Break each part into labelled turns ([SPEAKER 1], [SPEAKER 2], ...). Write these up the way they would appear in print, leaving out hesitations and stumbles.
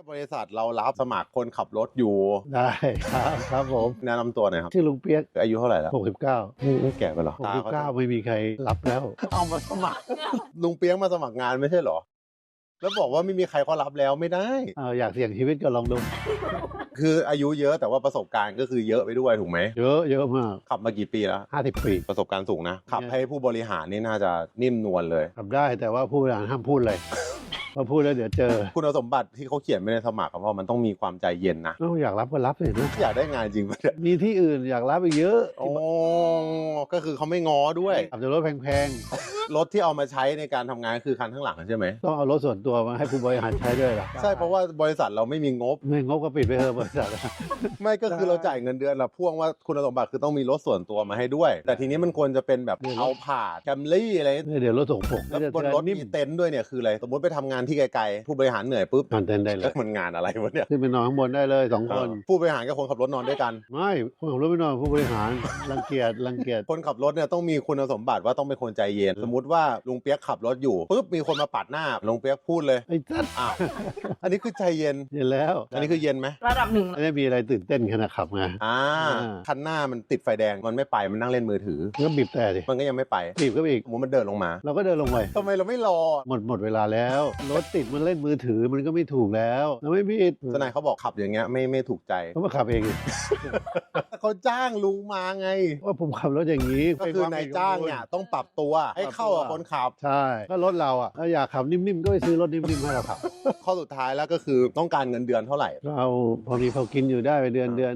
[SPEAKER 1] บริษัทเรารับสมัครคนขับรถอยู่
[SPEAKER 2] ได้ครับผม
[SPEAKER 1] แนะนำตัวหน่อยครับ
[SPEAKER 2] ชื่อลุงเปียก
[SPEAKER 1] อายุเท่าไหร่แล้ว
[SPEAKER 2] 69
[SPEAKER 1] ไม่แก่ไปหรอ
[SPEAKER 2] 69ไม่มีใครรับแล้ว
[SPEAKER 1] เอามาสมัครลุงเปียกมาสมัครงานไม่ใช่เหรอแล้วบอกว่าไม่มีใครเขารับแล้วไม่ได้
[SPEAKER 2] อยากเสี่ยงชีวิตก็ลองดู
[SPEAKER 1] คืออายุเยอะแต่ว่าประสบการณ์ก็คือเยอะไปด้วยถูกไหม
[SPEAKER 2] เยอะมาก
[SPEAKER 1] ขับมากี่ปีแล้ว
[SPEAKER 2] 50 ปี
[SPEAKER 1] ประสบการณ์สูงนะขับให้ผู้บริหารนี่น่าจะนิ่มนวลเลย
[SPEAKER 2] ขับได้แต่ว่าผู้บริหารห้ามพูดเลยพอพูดแล้วเดี๋ยวเจอ
[SPEAKER 1] คุณสมบัติที่เขาเขียนไม่ในสมัครเพราะมันต้องมีความใจเย็นนะ
[SPEAKER 2] อยากรับก็รับเลยนะ
[SPEAKER 1] อยากได้งานจริงปะเนี่ย
[SPEAKER 2] มีที่อื่นอยากรับอีกเยอะ
[SPEAKER 1] โอ้ก็คือเขาไม่ง้อด้วย
[SPEAKER 2] ขับแต่รถแพง
[SPEAKER 1] รถที่เอามาใช้ในการทำงานคือคันข้างหลังใช่ไหม
[SPEAKER 2] ต้องเอารถส่วนตัวมาให้ผู้บริหารใช้ด้วยหรอ
[SPEAKER 1] ใช่เพราะว่าบริษัทเราไม่มีงบ
[SPEAKER 2] ไม่งบก็ปิดไปเถอะบริษัท
[SPEAKER 1] ไม่ก็คือเราจ่ายเงินเดือนเราพ่วงว่าคุณสมบัติคือต้องมีรถส่วนตัวมาให้ด้วยแต่ทีนี้มันควรจะเป็นแบบเอาผ่าแคมรี่อะไร
[SPEAKER 2] เดี๋ยวรถส่งผง
[SPEAKER 1] แล้วบนรถมีเต็นท์ด้วยเนี่ยคืออะไรสมมติไปทำงานที่ไกลๆผู้บริหารเหนื่อยปุ๊บ
[SPEAKER 2] นอนเต็นท์ได้เลย
[SPEAKER 1] มันงานอะไรวะเนี่ย
[SPEAKER 2] ขึ้นไปนอนข้างบนได้เลย2 คน
[SPEAKER 1] ผู้บริหารกับคนขับรถนอนด้วยกัน
[SPEAKER 2] ไม่คนขับรถไม่นอนผู้บริหารรังเกียจ
[SPEAKER 1] คนขับรถเนี่ยต้องมีคุณสมบัติว่าต้องเป็นคนใจเย็นสมมติว่าลุงเปียกขับรถอยู่ปุ๊บมีคนมาปาดหน้าลุงเปียกพูดเลย
[SPEAKER 2] ไอ้จัด
[SPEAKER 1] อันนี้คือใจเย็น
[SPEAKER 2] แล้ว
[SPEAKER 1] อันนี้คือเย็นไหม
[SPEAKER 3] ระดับหนึ่ง
[SPEAKER 2] ไม่มีอะไรตื่นเต้นขณะขับไง
[SPEAKER 1] คันหน้ามันติดไฟแดงมันไม่ไปมันนั่งเล่นมือถือ
[SPEAKER 2] ก็บีบแต่ดิ
[SPEAKER 1] มันก็ยังไม่ไป
[SPEAKER 2] บีบก็อีก
[SPEAKER 1] มันเดินลงมา
[SPEAKER 2] เราก็เดินลงไป
[SPEAKER 1] ทำไมเราไม่รอ
[SPEAKER 2] หมดเวลาแล้วรถติดมันเล่นมือถือมันก็ไม่ถูกแล้วเราไม่ผิด
[SPEAKER 1] ทนายเขาบอกขับอย่างเงี้ยไม่ถูกใจ
[SPEAKER 2] เขามาขับเอง
[SPEAKER 1] เขาจ้างลุงมาไง
[SPEAKER 2] ว่าผมขับรถอย่างนี้
[SPEAKER 1] ก็คือนายจ้างเนี่ยต้องปรับตัวให้เข้ากับคนขับ
[SPEAKER 2] ใช่ก็รถเราถ้าอยากขับนิ่มๆก็ไปซื้อรถนิ่มๆให้เราขับ
[SPEAKER 1] ข้อสุดท้ายแล้วก็คือต้องการเงินเดือนเท่าไหร่
[SPEAKER 2] เราพอมีพอกินอยู่ได้ไปเดือน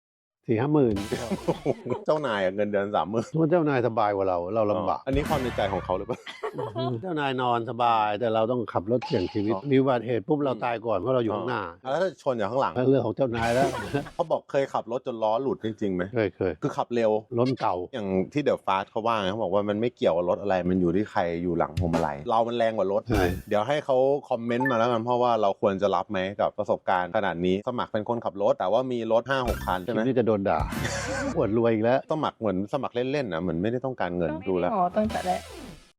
[SPEAKER 2] 4-5 หมื่น
[SPEAKER 1] เจ้านายเงินเดือน30,000
[SPEAKER 2] ทุกเจ้านายสบายกว่าเราลำบาก
[SPEAKER 1] อันนี้ความในใจของเขาหรือเปล่า
[SPEAKER 2] เจ้านายนอนสบายแต่เราต้องขับรถเสี่ยงชีวิตมีอุบัติเหตุปุ๊บเราตายก่อนเพราะเราอยู่ข้างหน้า
[SPEAKER 1] แล้วถ้าชนอยู่ข้างหลัง
[SPEAKER 2] เรื่องของเจ้านายแล้ว
[SPEAKER 1] เขาบอกเคยขับรถจนล้อหลุดจริงๆไหม
[SPEAKER 2] เคย
[SPEAKER 1] คือขับเร็ว
[SPEAKER 2] รถเก่า
[SPEAKER 1] อย่างที่เดอะฟาสเขาว่าไงเขาบอกว่ามันไม่เกี่ยวกับรถอะไรมันอยู่ที่ใครอยู่หลังพวงมาลัยเรามันแรงกว่ารถเดี๋ยวให้เขาคอมเมนต์มาแล้วกันเพราะว่าเราควรจะรับไหมกับประสบการณ์ขนาดนี้สมัครเป็นคนขับรถแต่ว่ามีรถ 5-6 คันใช่ไหม
[SPEAKER 2] นี่จะโดนด่าอวดรวยอีกแล้ว
[SPEAKER 1] สมัครเหมือนสมัครเล่นๆนะเหมือนไม่ได้ต้องการเงินดูแล้ว
[SPEAKER 3] ตั้งแต่แรก